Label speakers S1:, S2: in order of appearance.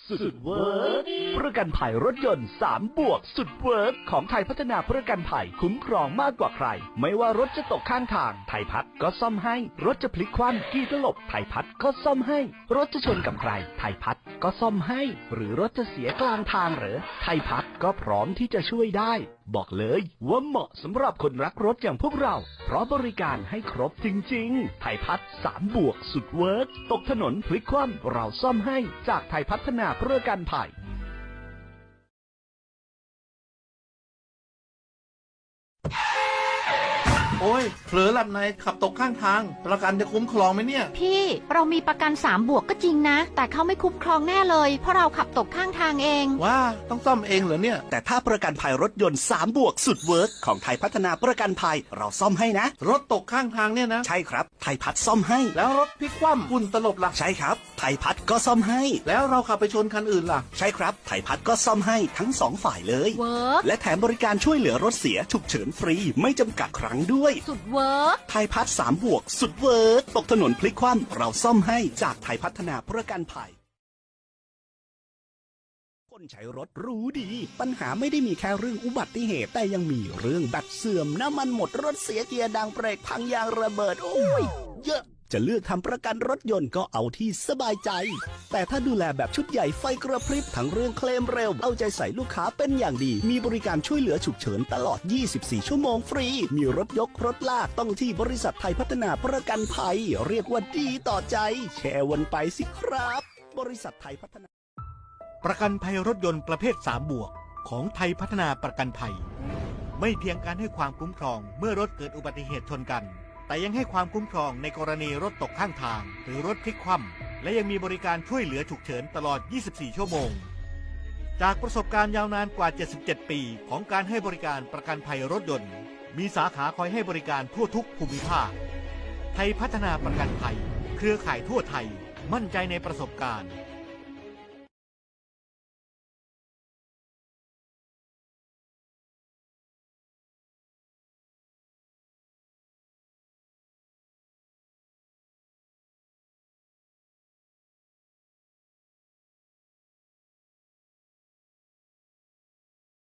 S1: สุดเวิร์กประกันภัยรถยนต์3บวกสุดเวิร์กของไทยพัฒนาประกันภัยคุ้มครองมากกว่าใครไม่ว่ารถจะตกข้างทางไทยพัฒก็ซ่อมให้รถจะพลิกคว่ำกี่ตลบไทยพัฒก็ซ่อมให้รถจะชนกับใครไทยพัฒก็ซ่อมให้หรือรถจะเสียกลางทางเหรอไทยพัฒก็พร้อมที่จะช่วยได้บอกเลยว่าเหมาะสำหรับคนรักรถอย่างพวกเราเพราะบริการให้ครบจริงๆไทยพัฒ3บวกสุดเวิร์กตกถนนพลิกคว่ำเราซ่อมให้จากไทยพัฒนาประกันภัย
S2: โอ้ยเผลอหลับในขับตกข้างทางประกันจะคุ้มครองไหมเนี่ย
S3: พี่เรามีประกัน3บวกก็จริงนะแต่เขาไม่คุ้มครองแน่เลยเพราะเราขับตกข้างทางเอง
S2: ว้าต้องซ่อมเองเหรอเนี่ย
S4: แต่ถ้าประกันภัยรถยนต์3บวกสุดเวิร์กของไทยพัฒนาประกันภัยเราซ่อมให้นะ
S2: รถตกข้างทางเนี่ยนะ
S4: ใช่ครับไทยพัฒซ่อมให้
S2: แล้วรถพลิกคว่ำฝุ่นตลบล่ะ
S4: ใช่ครับไทยพัฒก็ซ่อมให้
S2: แล้วเราขับไปชนคันอื่นล่ะ
S4: ใช่ครับไทยพัฒก็ซ่อมให้ทั้ง2ฝ่ายเลย
S3: เวิร์ก
S4: และแถมบริการช่วยเหลือรถเสียฉุกเฉินฟรีไม่จำกัดครั้งด้วย
S3: สุดเวิร์ก
S4: ไทยพัฒ3บวกสุดเวิร์กตกถนนพลิกคว่ำเราซ่อมให้จากไทยพัฒนาประกันภัยคนใช้รถรู้ดีปัญหาไม่ได้มีแค่เรื่องอุบัติเหตุแต่ยังมีเรื่องแบตเสื่อมน้ำมันหมดรถเสียเกียร์ดังเบรกพังยางระเบิดโอ้ยเยอะจะเลือกทำประกันรถยนต์ก็เอาที่สบายใจแต่ถ้าดูแลแบบชุดใหญ่ไฟกระพริบทั้งเรื่องเคลมเร็วเอาใจใส่ลูกค้าเป็นอย่างดีมีบริการช่วยเหลือฉุกเฉินตลอด24ชั่วโมงฟรีมีรถยกรถลากต้องที่บริษัทไทยพัฒนาประกันภัยเรียกว่าดีต่อใจแชร์วันไปสิครับบริษัทไทยพัฒนา
S5: ประกันภัยรถยนต์ประเภท3บวกของไทยพัฒนาประกันภัยไม่เพียงการให้ความคุ้มครองเมื่อรถเกิดอุบัติเหตุชนกันแต่ยังให้ความคุ้มครองในกรณีรถตกข้างทางหรือรถพลิกคว่ำและยังมีบริการช่วยเหลือฉุกเฉินตลอด24ชั่วโมงจากประสบการณ์ยาวนานกว่า77ปีของการให้บริการประกันภัยรถยนต์มีสาขาคอยให้บริการทั่วทุกภูมิภาคไทยพัฒนาประกันภัยเครือข่ายทั่วไทยมั่นใจในประสบการณ์